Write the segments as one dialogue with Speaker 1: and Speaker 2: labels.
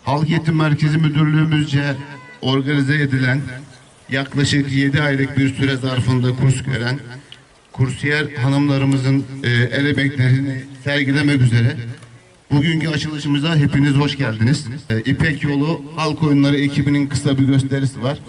Speaker 1: Halk Eğitim Merkezi Müdürlüğümüzce organize edilen yaklaşık 7 aylık bir süre zarfında kurs gören kursiyer hanımlarımızın el emeklerini sergilemek üzere bugünkü açılışımıza hepiniz hoş geldiniz. İpek Yolu Halk Oyunları ekibinin kısa bir gösterisi var.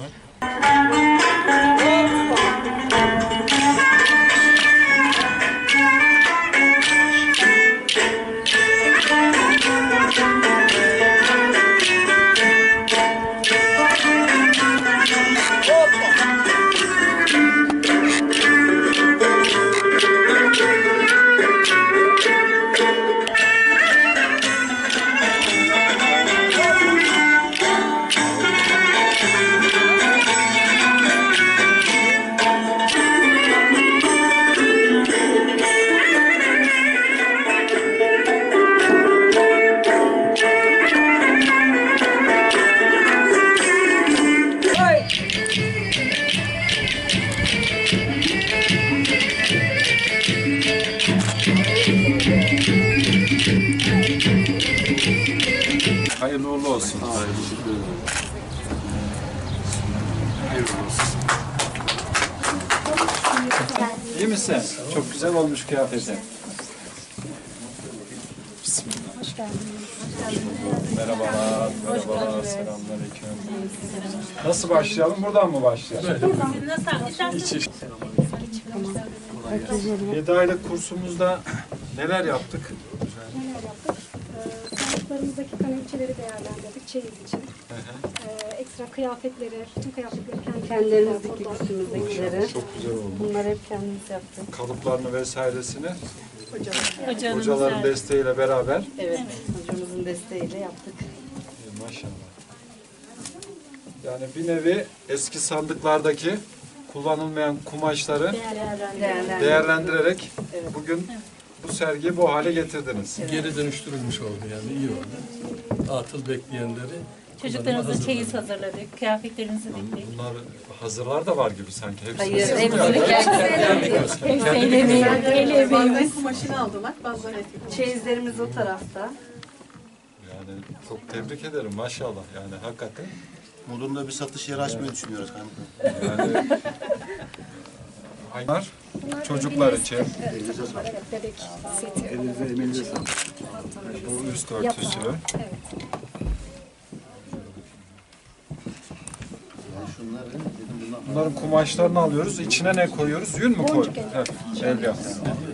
Speaker 2: Hayırlı uğurlu olsun. Hayırlı olsun. İyi misin? Çok güzel olmuş kıyafetin.
Speaker 3: Hoş geldiniz.
Speaker 2: Merhabalar, merhabalar, selamünaleyküm. Nasıl başlayalım? Buradan mı başlayalım? Evet. 7 aylık kursumuzda neler yaptık?
Speaker 3: Sanatlarımızdaki kanepçeleri değerlendirdik çeyiz için. Ekstra kıyafetleri, bütün kıyafetleri
Speaker 4: Kendilerimiz diktik üstümüzdekileri.
Speaker 2: Çok güzel oldu.
Speaker 4: Bunları hep kendimiz yaptık.
Speaker 2: Kalıplarını vesairesini hocaların desteğiyle beraber.
Speaker 4: Evet, hocamızın desteğiyle yaptık.
Speaker 2: Maşallah. Yani bir nevi eski sandıklardaki kullanılmayan kumaşları değerlendirerek bugün bu sergiyi bu hale getirdiniz.
Speaker 5: Geri dönüştürülmüş oldu yani iyi oldu. Atıl bekleyenleri
Speaker 6: Çocuklarımıza çeyiz hazırladık, kıyafetlerimizi diktik.
Speaker 2: Bunlar hazırlar da var gibi sanki. Hepsi
Speaker 4: Hayır,
Speaker 2: hazır.
Speaker 6: El emeğimiz.
Speaker 4: Kumaşını aldılar, bazıları çeyizlerimiz o tarafta.
Speaker 2: Yani çok tebrik ederim maşallah yani hakikaten.
Speaker 1: Modunda bir satış yeri açmayı düşünüyoruz kanka.
Speaker 2: Yani bunlar çocuklar için.
Speaker 3: bebek seti.
Speaker 2: Bu üst örtüsü. Bunların kumaşlarını alıyoruz. İçine ne koyuyoruz? Yün mü koyuyoruz? Evet. El yapımı.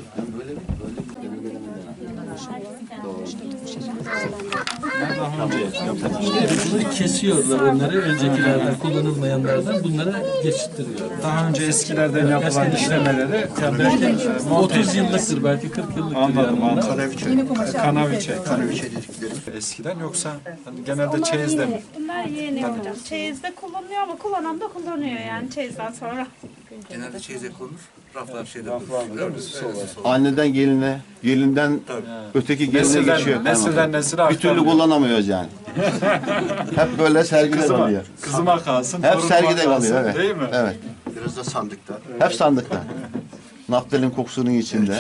Speaker 5: bunu kesiyorlar onları öncekilerden kullanılmayanlardan bunlara geçittiriyor.
Speaker 2: Daha önce eskilerden yapılan işlemeleri
Speaker 5: Yani belki 30 yıllıktır belki 40 yıllıktır.
Speaker 2: anladım.
Speaker 5: yani bunlar.
Speaker 2: Kanaviçe dedikleri. Eskiden yoksa hani genelde çeyizde mi?
Speaker 7: Bunlar yeni hocam. Çeyizde kullanılıyor ama kullanan da kullanıyor yani çeyizden sonra.
Speaker 8: Genelde çeyize konur, raflar şeyde
Speaker 1: Anneden geline, gelinden öteki geline geçiyor.
Speaker 2: Nesilden nesile
Speaker 1: Bir türlü kullanamıyoruz yani. Hep böyle sergide kalıyor.
Speaker 2: Kızıma kalsın.
Speaker 1: Hep
Speaker 2: torunuma
Speaker 1: sergide
Speaker 2: kalsın,
Speaker 1: kalıyor, evet.
Speaker 2: Değil mi?
Speaker 1: Evet.
Speaker 8: Biraz da sandıkta.
Speaker 1: Hep sandıkta. Naftalin kokusunun içinde.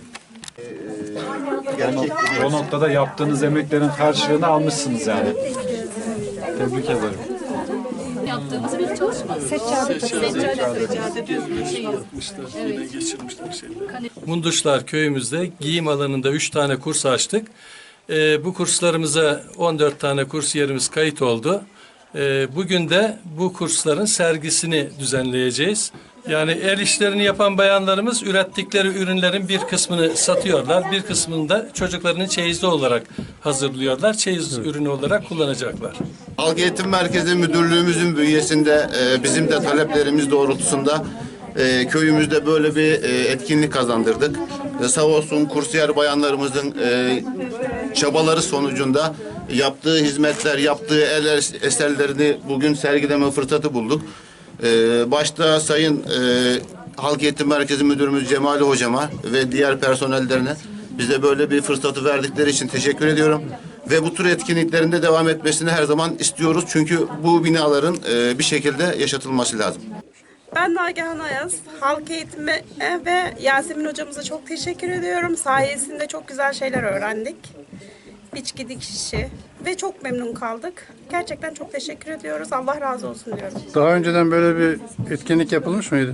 Speaker 2: O noktada yaptığınız emeklerin karşılığını almışsınız yani. Tebrik ederim.
Speaker 6: Yaptığımız bir çalışma.
Speaker 5: Munduşlar köyümüzde giyim alanında 3 tane kurs açtık. Bu kurslarımıza 14 tane kursiyerimiz kayıt oldu. Bugün de bu kursların sergisini düzenleyeceğiz. Yani el işlerini yapan bayanlarımız ürettikleri ürünlerin bir kısmını satıyorlar. Bir kısmını da çocuklarının çeyizli olarak hazırlıyorlar. Çeyiz ürünü olarak kullanacaklar.
Speaker 1: Halk Eğitim Merkezi Müdürlüğümüzün bünyesinde bizim de taleplerimiz doğrultusunda köyümüzde böyle bir etkinlik kazandırdık. Sağ olsun kursiyer bayanlarımızın çabaları sonucunda yaptığı hizmetler, yaptığı el eserlerini bugün sergileme fırsatı bulduk. Başta Sayın Halk Eğitim Merkezi Müdürümüz Cemali Hocama ve diğer personellerine bize böyle bir fırsatı verdikleri için teşekkür ediyorum. Ve bu tür etkinliklerinde devam etmesini her zaman istiyoruz. Çünkü bu binaların bir şekilde yaşatılması lazım.
Speaker 7: Ben Nagihan Ayaz. Halk eğitimi ve Yasemin hocamıza çok teşekkür ediyorum. Sayesinde çok güzel şeyler öğrendik. biçki dikişi ve çok memnun kaldık. Gerçekten çok teşekkür ediyoruz. Allah razı olsun diyorum.
Speaker 9: Daha önceden böyle bir etkinlik yapılmış mıydı?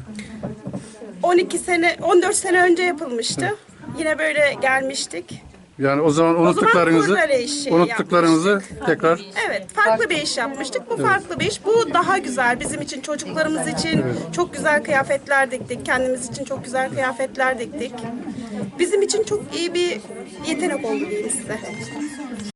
Speaker 7: 14 sene önce yapılmıştı. Yine böyle gelmiştik.
Speaker 9: Yani o zaman
Speaker 7: kurdele işi
Speaker 9: unuttuklarınızı tekrar
Speaker 7: Evet, farklı bir iş yapmıştık. Bu farklı bir iş. Bu daha güzel. Bizim için, çocuklarımız için çok güzel kıyafetler diktik. Kendimiz için çok güzel kıyafetler diktik. Bizim için çok iyi bir yetenek oldu diyeyim size.